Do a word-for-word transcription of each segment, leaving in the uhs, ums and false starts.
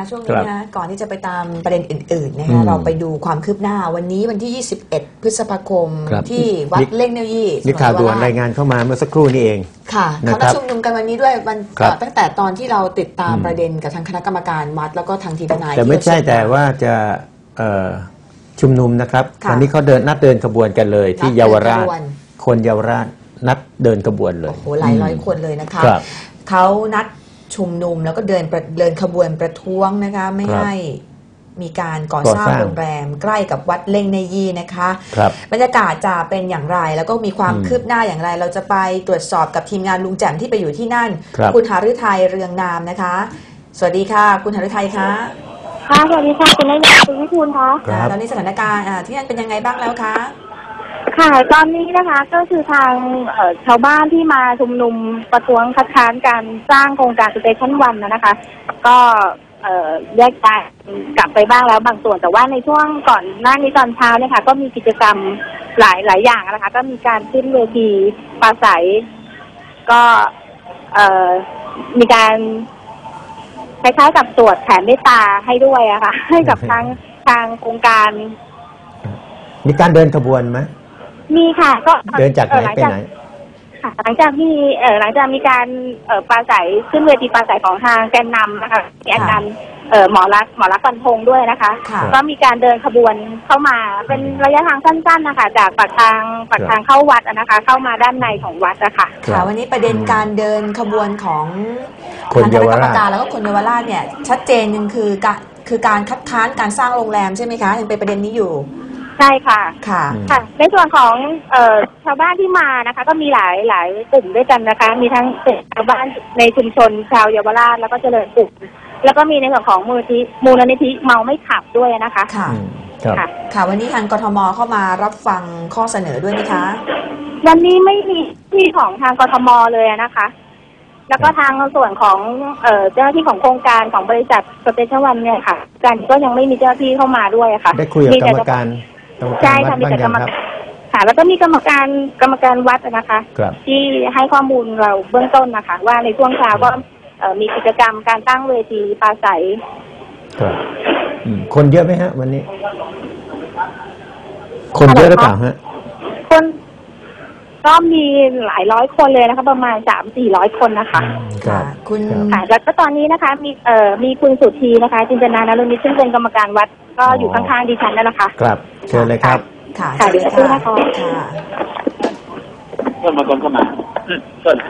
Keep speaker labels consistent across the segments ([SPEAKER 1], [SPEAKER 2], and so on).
[SPEAKER 1] คะช่วงนี้นะก่อนที่จะไปตามประเด็นอื่นๆนะคะเราไปดูความคืบหน้าวันนี้วันที่ยี่สิบเอ็ดพฤษภาคมที่วัดเล่งเนยี่
[SPEAKER 2] มีข่าวด่วนรายงานเข้ามาเมื่อสักครู่นี้เอง
[SPEAKER 1] ค่ะเขานัดชุมนุมกันวันนี้ด้วยวันตั้งแต่ตอนที่เราติดตามประเด็นกับทางคณะกรรมการวัดแล้วก็ทางทีมทนาย
[SPEAKER 2] แต่ไม่ใช่แต่ว่าจะชุมนุมนะครับวันนี้เขาเดินนัดเดินขบวนกันเลยที่เยาวราชคนเยาวราชนัดเดินขบวนเลย
[SPEAKER 1] โอ้โหหลายร้อยคนเลยนะคะเขานัดชุมนุมแล้วก็เดินเดินขบวนประท้วงนะคะไม่ให้มีการก่อสร้างโรงแรมใกล้กับวัดเล่งเนยี่นะคะบรรยากาศจะเป็นอย่างไรแล้วก็มีความคืบหน้าอย่างไรเราจะไปตรวจสอบกับทีมงานลุงแจ่มที่ไปอยู่ที่นั่นคุณหฤทัยเรืองนามนะคะสวัสดีค่ะคุณหฤทัยคะ
[SPEAKER 3] ค่ะสวัสดีค่ะคุณนายคุณวิทูลคะ
[SPEAKER 1] ตอนนี้สถานการณ์ที่นั่นเป็นยังไงบ้างแล้วคะ
[SPEAKER 3] ค่ะตอนนี้นะคะก็คือทางชาวบ้านที่มาชุมนุมประท้วงคัดค้านการสร้างโครงการสเตชันวันนะคะก็แยกย้ายกลับไปบ้างแล้วบางส่วนแต่ว่าในช่วงก่อนหน้านี้ตอนเช้าเนี่ยค่ะก็มีกิจกรรมหลายหลายอย่างนะคะก็มีการขึ้นเวทีปราศัยก็มีการคล้ายๆกับตรวจแผนเมตตาให้ด้วยอะค่ะให้กับทางทางโครงการ
[SPEAKER 2] มีการเดินขบวนไหม
[SPEAKER 3] มีค่ะก็
[SPEAKER 2] เดินจากไหนไปไหน
[SPEAKER 3] ค่ะหลังจากที่เออหลังจากมีการเอ่อปราศัยขึ้นเวทีปราศัยของทางแกนนำนะคะแกนนำเอ่อหมอรักหมอรักฟันธงด้วยนะคะก็มีการเดินขบวนเข้ามาเป็นระยะทางสั้นๆนะคะจากปากทางปากทางเข้าวัดนะคะเข้ามาด้านในของวัดนะคะ
[SPEAKER 1] ค่ะวันนี้ประเด็นการเดินขบวนของคณะกรรมการแล้วก็คนเยาวราชเนี่ยชัดเจนนึงคือการคือการคัดค้านการสร้างโรงแรมใช่ไหมคะยังเป็นประเด็นนี้อยู่
[SPEAKER 3] ใช่ค่ะ
[SPEAKER 1] ค่ะ
[SPEAKER 3] ค่ะในส่วนของเอ่อชาวบ้านที่มานะคะก็มีหลายหลายกลุ่มด้วยกันนะคะมีทั้งชาวบ้านในชุมชนชาวเยาวราชแล้วก็เจริญสุขแล้วก็มีในส่วนของมูลนิธิมูลนิธิเมาไม่ขับด้วยนะคะ
[SPEAKER 1] ค่ะค่ะค่ะวันนี้ทางกทมเข้ามารับฟังข้อเสนอด้วยไหมคะ
[SPEAKER 3] วันนี้ไม่มีที่ของทางกทมเลยนะคะแล้วก็ทางส่วนของเอ่อเจ้าหน้าที่ของโครงการของบริษัทสเตชันวันเนี่ยค่ะการก็ยังไม่มีเจ้าหน้าที่เข้ามาด้วยค่ะ
[SPEAKER 2] ได้คุยกับกรรมการ
[SPEAKER 3] ใช่ค่ะมีแต่กรรมการค่ะแล้วก็มีกรรมการกรรมการวัดนะคะที่ให้ข้อมูลเราเบื้องต้นนะคะว่าในช่วงเช้าก็มีกิจกรรมการตั้งเวทีปราศัย
[SPEAKER 2] ครับคนเยอะไหมฮะวันนี้คนเยอะหรือเปล่าฮะ
[SPEAKER 3] คนก็มีหลายร้อยคนเลยนะคะประมาณสามสี่ร้อยคนนะคะ
[SPEAKER 1] ค่ะคุณ
[SPEAKER 3] ค่ะแล้วก็ตอนนี้นะคะมีเอ่อมีคุณสุธีนะคะจินตนานรุณิชซึ่งเป็นกรรมการวัดก็อยู่ข้างๆดิฉันนั่นแหละค่ะ
[SPEAKER 2] ครับเชิญเลยครับ
[SPEAKER 1] ค่ะ
[SPEAKER 3] ค่ะเดี๋ยวชื่อนะคะ
[SPEAKER 1] ค่ะ
[SPEAKER 4] เพื่อนมาคนเข้ามาเชิญ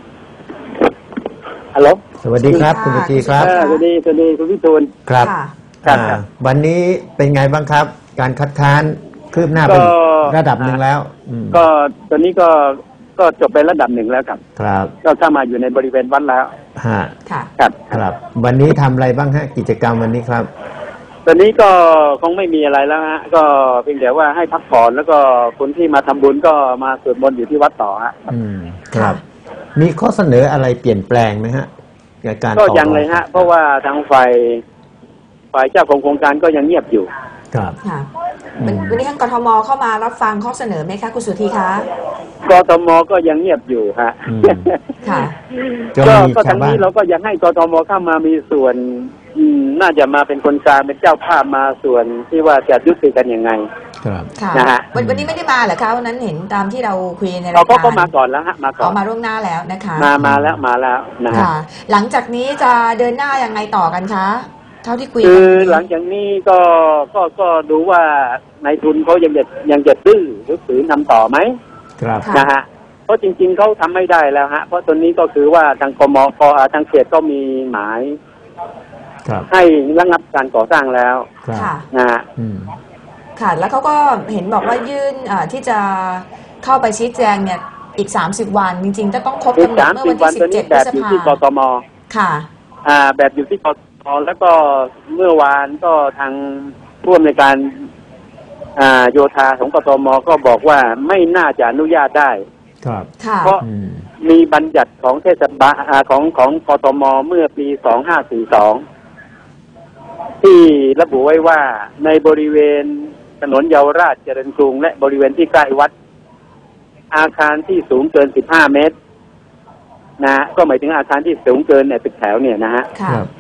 [SPEAKER 4] ฮัลโหล
[SPEAKER 2] สวัสดีครับคุณสุธีครับ
[SPEAKER 4] สวัสดีสวัสดีคุณพิทูล
[SPEAKER 2] ครับครับวันนี้เป็นไงบ้างครับการคัดค้านคืบหน้าเป็นระดับหนึ่งแล้ว
[SPEAKER 4] ก็ตอนนี้ก็ก็จบไประดับหนึ่งแล้วครับ
[SPEAKER 2] ครับ
[SPEAKER 4] ก็เข้ามาอยู่ในบริเวณวัดแล้ว
[SPEAKER 2] ฮะ
[SPEAKER 1] ค่ะ
[SPEAKER 4] ครับ
[SPEAKER 2] ครับวันนี้ทำอะไรบ้างฮะกิจกรรมวันนี้ครับ
[SPEAKER 4] ตอนนี้ก็คงไม่มีอะไรแล้วฮะก็เพียงแต่ว่าให้พักผ่อนแล้วก็คนที่มาทำบุญก็มาสวดมนต์อยู่ที่วัดต่อฮะ
[SPEAKER 2] อืมครับมีข้อเสนออะไรเปลี่ยนแปลงไหมฮะในการ
[SPEAKER 4] ก็ยังเลยฮะเพราะว่าทางฝ่ายฝ่ายเจ้าของโครงการก็ยังเงียบอยู่
[SPEAKER 2] ครับ
[SPEAKER 1] ค่ะวันนี้ทางกทมเข้ามารับฟังข้อเสนอไหมคะคุณสุธีคะ
[SPEAKER 4] กทมก็ยังเงียบอยู่ฮะ
[SPEAKER 1] ค่ะ
[SPEAKER 4] ก็ก็ทางนี้เราก็ยังให้กทมเข้ามามีส่วนน่าจะมาเป็นคนกลางเป็นเจ้าภาพมาส่วนที่ว่าจะยุติกันยังไง
[SPEAKER 2] ครับ
[SPEAKER 1] นะฮะวันนี้ไม่ได้มาเหรอคะวันนั้นเห็นตามที่เราคุยในรายการ
[SPEAKER 4] เขาก็มาก่อนแล้วฮะมาก่อน
[SPEAKER 1] เขามาร่วมหน้าแล้วนะคะ
[SPEAKER 4] มามาแล้วมาแล้วนะฮะ
[SPEAKER 1] หลังจากนี้จะเดินหน้ายังไงต่อกันคะเท่าที่คุย
[SPEAKER 4] คือหลังจากนี้ก็ก็ก็ดูว่านายทุนเขายังจะยังจะดื้อหรือฝืนทำต่อไหม
[SPEAKER 2] ครับ
[SPEAKER 4] นะฮะเพราะจริงๆเขาทำไม่ได้แล้วฮะเพราะตอนนี้ก็คือว่าทางกมกทางเขตก็มีหมายให้ระงับการก่อสร้างแล้วนะฮะ
[SPEAKER 1] ค่ะแล้วเขาก็เห็นบอกว่ายื่นที่จะเข้าไปชี้แจงเนี่ยอีกสามสิบวันจริงๆจะต้องครบกำหนดเมื่อวันที่สิบเจ็ดพฤษภาคม
[SPEAKER 4] แบบอยู่ที่กทม
[SPEAKER 1] ค่ะ
[SPEAKER 4] อ่าแบบอยู่ที่กทมแล้วก็เมื่อวานก็ทางผู้อำนวยการอ่าโยธาของกทมก็บอกว่าไม่น่าจะอนุญาตได้
[SPEAKER 2] ครับ
[SPEAKER 4] เพราะมีบัญญัติของเทศบาลของของกทมเมื่อปีสองห้าสี่สองที่ระบุไว้ว่าในบริเวณถนนเยาวราชเจริญกรุงและบริเวณที่ใกล้วัดอาคารที่สูงเกินสิบห้าเมตรนะก็หมายถึงอาคารที่สูงเกินเนี่ยตึกแถวเนี่ยนะฮะ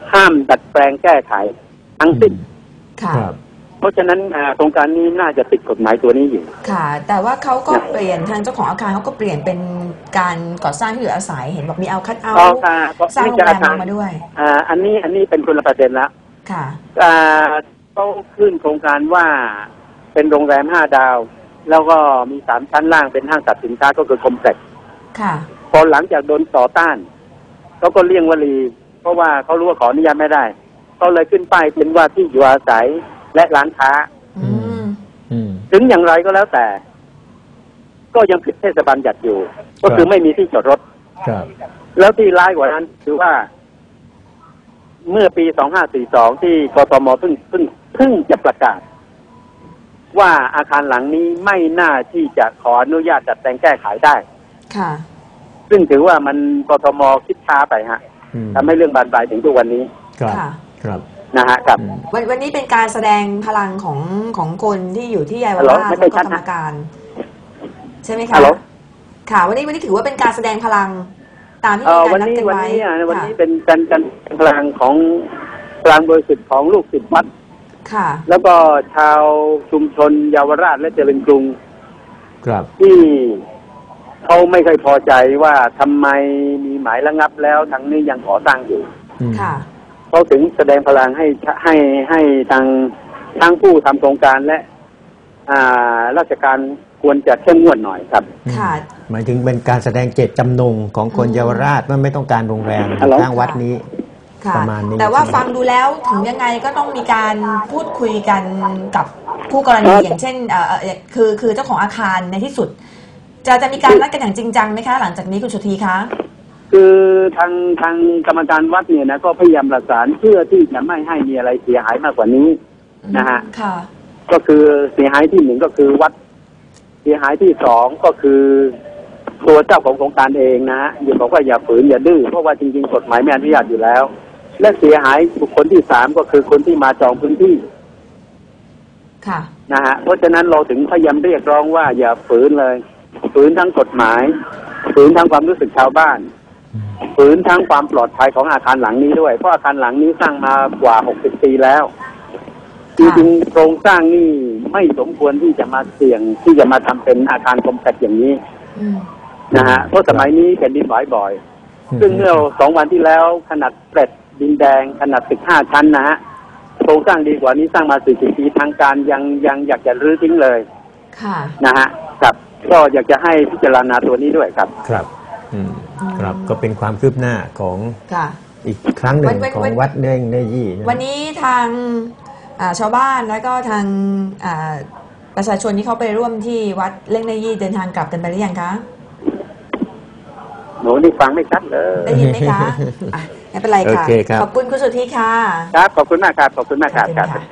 [SPEAKER 4] ห้ามดัดแปลงแก้ไขทั้งสิ้น
[SPEAKER 1] ค่ะ
[SPEAKER 2] ครับ
[SPEAKER 4] เพราะฉะนั้นอ่าโครงการนี้น่าจะติดกฎหมายตัวนี้อยู่
[SPEAKER 1] ค่ะ แต่ว่าเขาก็เปลี่ยนทางเจ้าของอาคารเขาก็เปลี่ยนเป็นการก่อสร้างที่อยู่อาศัยเห็นบอกมีเอาคัทเอา
[SPEAKER 4] อ๋อ
[SPEAKER 1] ท์
[SPEAKER 4] ค่ะ
[SPEAKER 1] สร้างโรงแรมลงมาด้วย
[SPEAKER 4] อ่าอันนี้อันนี้เป็นคนละประเด็นละ
[SPEAKER 1] ค่ะ
[SPEAKER 4] อ่าเขาขึ้นโครงการว่าเป็นโรงแรมห้าดาว แล้วก็มีสามชั้นล่างเป็นห้างสรรพสินค้าก็คือคอมเพล็กซ์
[SPEAKER 1] ค่ะ
[SPEAKER 4] พอหลังจากโดนต่อต้านเขาก็เลี่ยงวลี เพราะว่าเขารู้ว่าขออนุญาตไม่ได้เขาเลยขึ้นป้ายเป็นว่าที่อยู่อาศัยและร้านค้า
[SPEAKER 1] อืม
[SPEAKER 2] อืม
[SPEAKER 4] ถึงอย่างไรก็แล้วแต่ ก็ยังผิดเทศบาลจัดอยู่ ก็คือไม่มีที่จอดรถ
[SPEAKER 2] ครับ
[SPEAKER 4] แล้วที่ร้ายกว่านั้นคือว่า เมื่อปีสองห้าสี่สองที่กทมเพิ่งเพิ่งเพิ่งจะประกาศ ว่าอาคารหลังนี้ไม่น่าที่จะขออนุญาตจัดแต่งแก้ไขได้
[SPEAKER 1] ค่ะ
[SPEAKER 4] ซึ่งถือว่ามันกทมคิดช้าไปฮะ
[SPEAKER 2] อืม
[SPEAKER 4] ทำให้เรื่องบานปลายถึงทุกวันนี้
[SPEAKER 2] ครับ
[SPEAKER 1] ค่ะ
[SPEAKER 2] ครับ
[SPEAKER 4] นะฮะครับ
[SPEAKER 2] อืม
[SPEAKER 1] วันวันนี้เป็นการแสดงพลังของของคนที่อยู่ที่เยาว
[SPEAKER 4] ฮัลโหล
[SPEAKER 1] ราช
[SPEAKER 4] ไม่
[SPEAKER 1] แล้
[SPEAKER 4] ค่อ
[SPEAKER 1] วย ก็
[SPEAKER 4] ชัด
[SPEAKER 1] ธร
[SPEAKER 4] นะ
[SPEAKER 1] รมการ ใช่ไหมคะ
[SPEAKER 4] ฮัลโหล
[SPEAKER 1] ค่ะ วันนี้วันนี้ถือว่าเป็นการแสดงพลังตามที่
[SPEAKER 4] เอ่
[SPEAKER 1] มี
[SPEAKER 4] อ
[SPEAKER 1] การ
[SPEAKER 4] วัน
[SPEAKER 1] นัด
[SPEAKER 4] นี้
[SPEAKER 1] กัน
[SPEAKER 4] วัน
[SPEAKER 1] ไว้
[SPEAKER 4] นี้อ่ะวัน
[SPEAKER 1] ค่ะ
[SPEAKER 4] นี้เป็นการการพลังของพลังบริสุทธิ์ของลูกศิษย์วัด
[SPEAKER 1] ค่ะ
[SPEAKER 4] แล้วก็ชาวชุมชนเยาวราชและเจริญกรุง
[SPEAKER 2] ครับ
[SPEAKER 4] ที่เขาไม่เคยพอใจว่าทำไมมีหมายระงับแล้วทางนี้ยังก่อสร้างอยู่
[SPEAKER 2] อืม
[SPEAKER 1] ค่ะ
[SPEAKER 4] เขาถึงแสดงพลังให้ให้ให้ทางทั้งผู้ทำโครงการและ อ่าราชการควรจะเข้มงวดหน่อยครับ
[SPEAKER 1] ค่ะ
[SPEAKER 2] หมายถึงเป็นการแสดงเจตจำนงของคน
[SPEAKER 1] อืม
[SPEAKER 2] เยาวราชว่าไม่ต้องการโรงแรม
[SPEAKER 4] ฮัลโหล
[SPEAKER 2] สร้างวัดนี้
[SPEAKER 1] ค่ะ
[SPEAKER 2] ประมาณนี้
[SPEAKER 1] แต่ว่า
[SPEAKER 2] ใช่ไหม
[SPEAKER 1] ฟังดูแล้วถึงยังไงก็ต้องมีการพูดคุยกันกับคู่กรณีอย่างเช่นเอ่อเอ่อคือคือเจ้าของอาคารในที่สุด จะจะมีการนัดกันอย่างจริงจังไหมคะ หลังจากนี้คุณสุธีคะ
[SPEAKER 4] คือทางทางกรรมการวัดเนี่ยนะก็พยายามประสานเพื่อที่จะไม่ให้มีอะไรเสียหายมากกว่านี้นะฮะ
[SPEAKER 1] ค่ะ
[SPEAKER 4] ก็คือเสียหายที่หนึ่งก็คือวัด เสียหายที่สองก็คือตัวเจ้าของโครงการเองนะฮะอย่าบอกว่าอย่าฝืนอย่าดื้อเพราะว่าจริงๆกฎหมายไม่อนุญาตอยู่แล้ว และเสียหายบุคคลที่สามก็คือคนที่มาจองพื้นที่
[SPEAKER 1] ค่ะ
[SPEAKER 4] นะฮะเพราะฉะนั้นเราถึงพยายามเรียกร้องว่าอย่าฝืนเลยฝืนทั้งกฎหมายฝืนทั้งความรู้สึกชาวบ้านฝืนทั้งความปลอดภัยของอาคารหลังนี้ด้วยเพราะอาคารหลังนี้สร้างมากว่าหกสิบปีแล้วจริงๆโครงสร้างนี่ไม่สมควรที่จะมาเสี่ยงที่จะมาทำเป็นอาคารคอมแพคอย่างนี้
[SPEAKER 1] อืม
[SPEAKER 4] นะฮะเพราะสมัยนี้แผ่นดินไหวบ่อย ซึ่งเมื่อสองวันที่แล้วขนาดเปรตดินแดงขนาดตึกห้าชั้นนะฮะโครงสร้างดีกว่านี้สร้างมาสี่สิบปีทางการยังยังอยากจะรื้อทิ้งเลย
[SPEAKER 1] ค่ะ
[SPEAKER 4] นะฮะครับก็อยากจะให้พิจารณาตัวนี้ด้วยครับ
[SPEAKER 2] ครับอืมครับก็เป็นความคืบหน้าของ
[SPEAKER 1] ค่ะ
[SPEAKER 2] อีกครั้งหนึ่
[SPEAKER 1] วั
[SPEAKER 2] ง
[SPEAKER 1] นวัน
[SPEAKER 2] ของ
[SPEAKER 1] วัน
[SPEAKER 2] วัดเน่งเนยี่นะ
[SPEAKER 1] วันนี้ทางอ่าชาวบ้านแล้วก็ทางอ่าประชาชนที่เขาไปร่วมที่วัดเล่งในยี่เดินทางกลับกันไปหรือยังคะ
[SPEAKER 4] หนูนี่ฟังไม่ชัดเลย
[SPEAKER 1] ได้ยินไหมคะอ่ะไม่เป็นไรค่ะ
[SPEAKER 2] โอเคครับ
[SPEAKER 1] ขอบคุณคุณสุธีค่ะ
[SPEAKER 4] ครับขอบคุณมากครับขอบคุณมากครับ
[SPEAKER 1] ขอบ
[SPEAKER 4] ค
[SPEAKER 1] คุ
[SPEAKER 4] รับ
[SPEAKER 1] ณค่ะ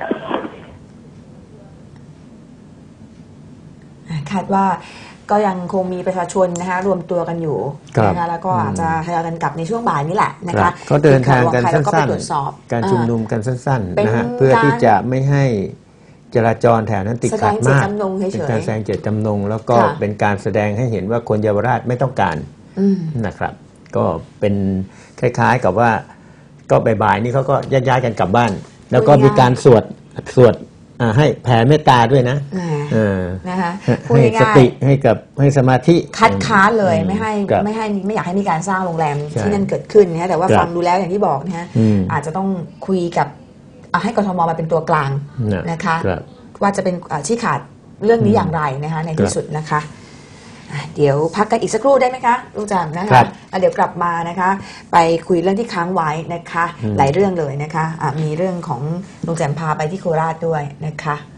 [SPEAKER 1] อ่ะคาดว่าก็ยังคงมีประชาชนนะคะรวมตัวกันอยู่
[SPEAKER 2] ครับ
[SPEAKER 1] นะคะแล้วก็อาจจะทยอยกันกลับในช่วงบ่ายนี่แหละนะ
[SPEAKER 2] ครั
[SPEAKER 1] คะ
[SPEAKER 2] บเขาเดินทางกัน
[SPEAKER 1] ทีมข่ว
[SPEAKER 2] สั
[SPEAKER 1] เราก็ไป้
[SPEAKER 2] น
[SPEAKER 1] ตรวจสอบ
[SPEAKER 2] ๆ การชุมนุมกันสั้น
[SPEAKER 1] เป็น
[SPEAKER 2] ๆนะฮะเพื่อที่จะไม่ให้จราจรแถวนั้นติดขัดมาก
[SPEAKER 1] แสดงเจตจำนงเฉยๆ
[SPEAKER 2] เป็นการแสดงเจตจำนง แล้วก็
[SPEAKER 1] ค่ะ
[SPEAKER 2] เป็นการแสดงให้เห็นว่าคนเยาวราชไม่ต้องการ
[SPEAKER 1] อืม
[SPEAKER 2] นะครับ ก็เป็นคล้ายๆกับว่าก็บ่ายๆนี่เขาก็ย้ายๆกันกลับบ้าน แล้วก็มีการสวดสวดอ่าให้แผ่เมตตาด้วยนะ
[SPEAKER 1] แหม
[SPEAKER 2] เออ
[SPEAKER 1] นะคะพูด
[SPEAKER 2] ให้ส
[SPEAKER 1] ง่าย
[SPEAKER 2] ติให้กับให้สมาธิ
[SPEAKER 1] ๆคัดค้านเลย
[SPEAKER 2] อื
[SPEAKER 1] ไม่ให้
[SPEAKER 2] ครับ
[SPEAKER 1] ไม่ให้ไม่อยากให้มีการสร้างโรงแรม
[SPEAKER 2] ใช่
[SPEAKER 1] ที่นั่นเกิดขึ้นนะแต่ว่า
[SPEAKER 2] ครับ
[SPEAKER 1] ฟังดูแล้วอย่างที่บอกนะฮะ
[SPEAKER 2] อืม
[SPEAKER 1] อาจจะต้องคุยกับอ่ะให้กทมมาเป็นตัวกลาง
[SPEAKER 2] นะ
[SPEAKER 1] นะคะ
[SPEAKER 2] ครับ
[SPEAKER 1] ว่าจะเป็นอ่ะชี้ขาดเรื่องนี้
[SPEAKER 2] อืม
[SPEAKER 1] อย่างไรนะคะใน
[SPEAKER 2] ค
[SPEAKER 1] ที่
[SPEAKER 2] รับ
[SPEAKER 1] สุดนะคะอ่ะเดี๋ยวพักกันอีกสักครู่ได้ไหมคะลูกจามนะ
[SPEAKER 2] ครั
[SPEAKER 1] คะ
[SPEAKER 2] บ
[SPEAKER 1] แล้วเดี๋ยวกลับมานะคะ ไปคุยเรื่องที่ค้างไว้นะคะ
[SPEAKER 2] อืม
[SPEAKER 1] หลายเรื่องเลยนะคะอ่ะมีเรื่องของลุงแจมพาไปที่โคราชด้วยนะคะ